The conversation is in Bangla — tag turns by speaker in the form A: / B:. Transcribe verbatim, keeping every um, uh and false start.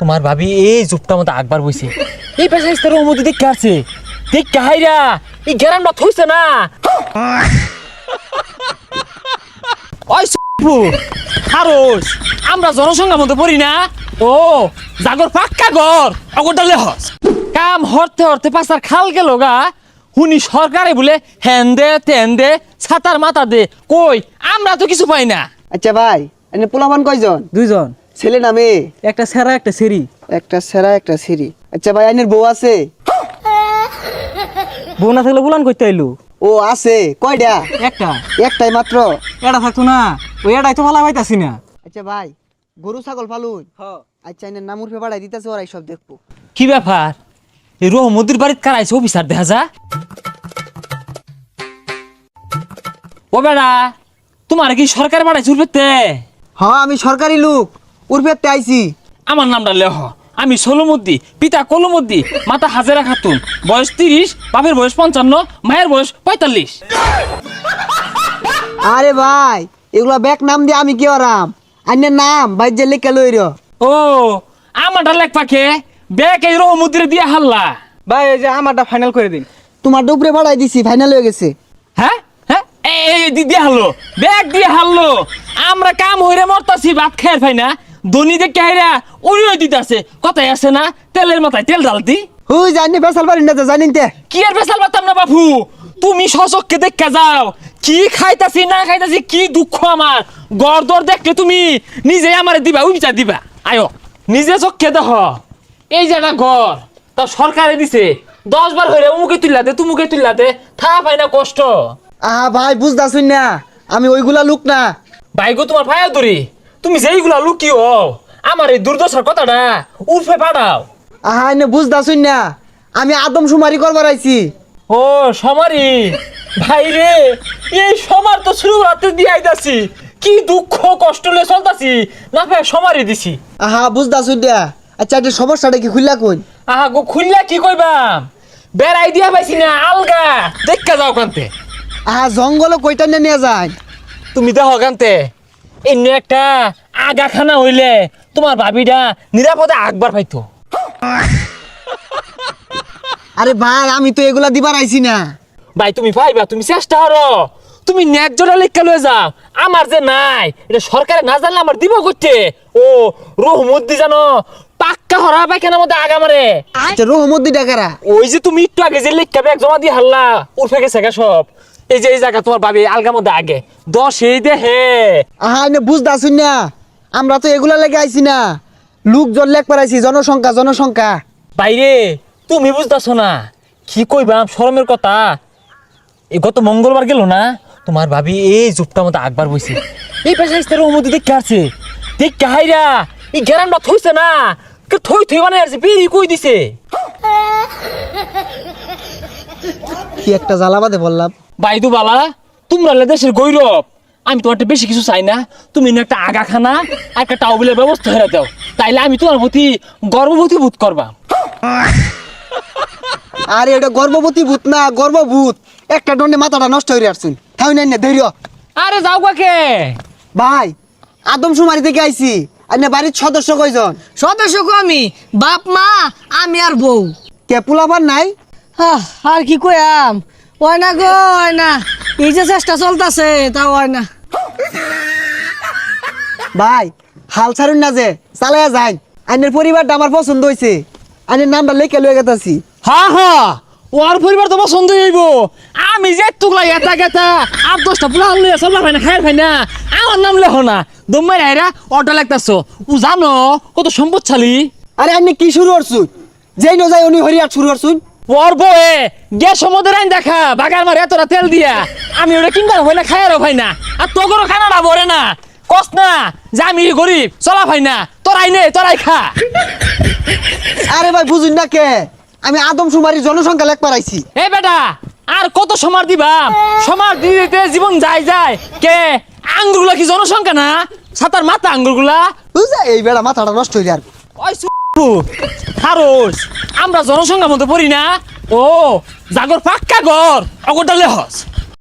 A: তোমার ভাবি এই জুপটা মতো আকবার বইছে এই পেশা ইস্তার মধ্যে দেখে আসছে দেখ হাইরা এই গ্যারান্ডা থইছে না ওই সুপু খারোস আমরা জনসংখ্যার মধ্যে পড়ি না ও জাগর পাক্কা ঘর অগরটালে হস কাম হরতে হরতে পাশার খাল গেল গা হুনি সরকারে বলে হ্যান দে তেন দে ছাতার মাথা দে কই আমরা তো কিছু পাই না।
B: আচ্ছা ভাই এনে পোলাপান কয়জন?
C: দুইজন,
B: ছেলে না মেয়ে?
C: একটা সেরা একটা সেরি।
B: একটা সেরা একটা সিরি। আচ্ছা ভাই আইনের বউ আছে?
C: বউ না থাকলে বুলান করতে আইলু।
B: ও আছে। কয়টা?
C: একটা।
B: একটাই মাত্র?
C: এটা থাকতো না, ওই এটাই তো ভালো পাইতাছি না।
B: আচ্ছা ভাই গরু ছাগল ফালুন? আচ্ছা এনে নাম উঠে পাঠাই দিতেছে ওরাই সব দেখবো।
A: কি ব্যাপার এই রহমদির বাড়িতে কারাইছে অফিসার দেখা যা ও বেড়া তোমার কি সরকার বাড়াইছে উর্ফেতে?
B: হ্যাঁ আমি সরকারি লোক উর্ফেতে আইছি।
A: আমার নামটা লেহ আমি সোলমদ্দি পিতা কলমদ্দি মাতা হাজেরা খাতুন বয়স তিরিশ বাপের বয়স পঞ্চান্ন মায়ের বয়স পঁয়তাল্লিশ।
B: আরে ভাই এগুলা ব্যাক নাম দিয়ে আমি কি আরাম আইনের নাম ভাই যে লেখা লইর।
A: ও আমারটা লেখ পাখে ব্যাগ এই রহমদ্দিরে দিয়ে হাল্লা।
C: ভাই এই যে আমারটা ফাইনাল করে দিন।
B: তোমার ডুবরে পাঠাই দিছি ফাইনাল হয়ে গেছে।
A: হ্যাঁ হ্যাঁ এই দিয়ে হারলো ব্যাগ দিয়ে হারলো আমরা কাম হইরে মরতাছি ভাত খাই পাই না ধনী যে কাহিরা উড়িয়ে দিতেছে কথাই আছে না তেলের মাথায় তেল ডালতি
B: হুই জানি বেসাল পারি না জানিন তে
A: কি আর বেসাল পারতাম না বাপু তুমি সচককে দেখা যাও কি খাইতাছি না খাইতাছি কি দুঃখ আমার গড় দর দেখলে তুমি নিজে আমারে দিবা ওই বিচার দিবা আয়ো নিজে চোখকে দেখ এই যে একটা ঘর তা সরকারে দিছে দশ বার হইলে উমুকে তুললাতে তুমুকে তুললাতে থা পাই না কষ্ট।
B: আহা ভাই বুঝতাছুন না আমি ওইগুলা লোক না।
A: ভাইগো তোমার ভাইয়া ধরি তুমি যেইগুলা লুকিও আমার এই দুর্দশার কথাটা উর্ফে পাঠাও।
B: আহা এনে বুঝতাছুন না আমি আদম সুমারি করবার আইছি।
A: ও সমারি ভাই রে এই সমার তো শুরু রাতে দিয়ে আইতাছি কি দুঃখ কষ্ট লে চলতাছি না ভাই সমারি দিছি।
B: আহা বুঝতাছুন না। আচ্ছা এটা সমস্যাটা কি খুললা কই?
A: আহা গো খুললা কি কইবাম বেড়াই দিয়া পাইছি না আলগা দেখা যাও কান্তে।
B: আহা জঙ্গল কইটা নিয়ে যায়
A: তুমি দেখো কান্তে এমনি একটা আগাখানা হইলে তোমার ভাবিটা নিরাপদে আকবার পাইতো।
B: আরে ভাই আমি তো এগুলা দিবার আইছি না।
A: ভাই তুমি পাইবা তুমি চেষ্টা করো তুমি ন্যায্যটা লেখা লয়ে যাও আমার যে নাই এটা সরকারে না জানলে আমার দিব করতে। ও রহমদ্দি জানো পাক্কা হরা পায়খানার মধ্যে আগা মারে।
B: আচ্ছা রহমদ্দি ডাকারা
A: ওই যে তুমি একটু আগে যে লেখা ব্যাগ জমা দিয়ে হারলা উঠে গেছে গা সব এই যে এই জায়গা তোমার ভাবি আলগার মধ্যে আগে দশ এই দে হে।
B: আহা এনে বুঝতাছুন না আমরা তো এগুলা লেগে আইছি না লোকজন লেখ পারাইছি জনসংখ্যা জনসংখ্যা।
A: বাইরে তুমি বুঝতেছো না কি কইবাম শরমের কথা এই গত মঙ্গলবার গেল না তোমার ভাবি এই জুপটা মতো আকবার বইছে এই পেশা ইস্তার মধ্যে দেখে আসছে দেখ হাইরা এই গ্যারান্ডা থইছে না থই থই মানে আসছে বেরি কই দিছে।
B: কি একটা জ্বালাবাদে বললাম।
A: বাইদু বালা তোমরা দেশের গৌরব আমি তোমার বেশি কিছু চাই না তুমি একটা আগাখানা একটা টাউবিলের ব্যবস্থা হয়ে দাও তাইলে আমি তোমার প্রতি গর্ববতী বোধ করবা।
B: আরে এটা গর্ভবতী ভূত না গর্ভভূত একটা দণ্ডে মাথাটা নষ্ট হয়ে আসছুন তাই না না ধৈর্য।
A: আরে যাও কাকে
B: ভাই আদম সুমারি থেকে আইছি আর বাড়ির সদস্য কয়জন?
D: সদস্য কো আমি বাপ মা আমি আর বউ।
B: কে পোলাপান নাই?
D: আহ, আর কি কইয়াম ওই না গো ওই না এই যে চেষ্টা চলতেছে তা ওই না।
B: ভাই হাল ছাড়ুন না যে চালাইয়া যাই আইনের পরিবারটা আমার পছন্দ হয়েছে আইনের নামটা লেখে লয়ে গেতাছি।
A: হ্যাঁ হ্যাঁ ওর পরিবার তো পছন্দ হইব আমি যে টুকলা এটা গেতা আট দশটা পুরা লইয়া চলবা ভাই না খায়ের ভাই না আমার নাম লেখো না দম্মাই রাইরা অটো লাগতাছো ও জানো কত সম্পদশালী।
B: আরে আইনে কি শুরু করছুন যেই ন যাই উনি হরিয়ার শুরু করছুন
A: ওর বয়ে গ্যাস সমুদ্রের আইন দেখা বাগার মারে এতটা তেল দিয়া আমি ওটা কিনবার হয় না খায়ারও ভাই না আর তোগরও খানাটা ভরে না কস না যে আমি গরিব চলা ভাই না তোরাই নে তোরাই খা।
B: আরে ভাই বুঝুন না কে আমি আদম সুমারি জনসংখ্যা লেখ পারাইছি।
A: এই বেটা আর কত সমার দিবা সমার দিতে জীবন যায় যায় কে আঙ্গুরগুলা কি জনসংখ্যা না সাতার মাথা আঙ্গুরগুলা
B: বুঝা এই বেড়া মাথাটা নষ্ট হয়ে আর
A: ওই সুপু খারোস আমরা জনসংখ্যার মধ্যে পড়ি না ও জাগর পাক্কা ঘর অগরটালে হস।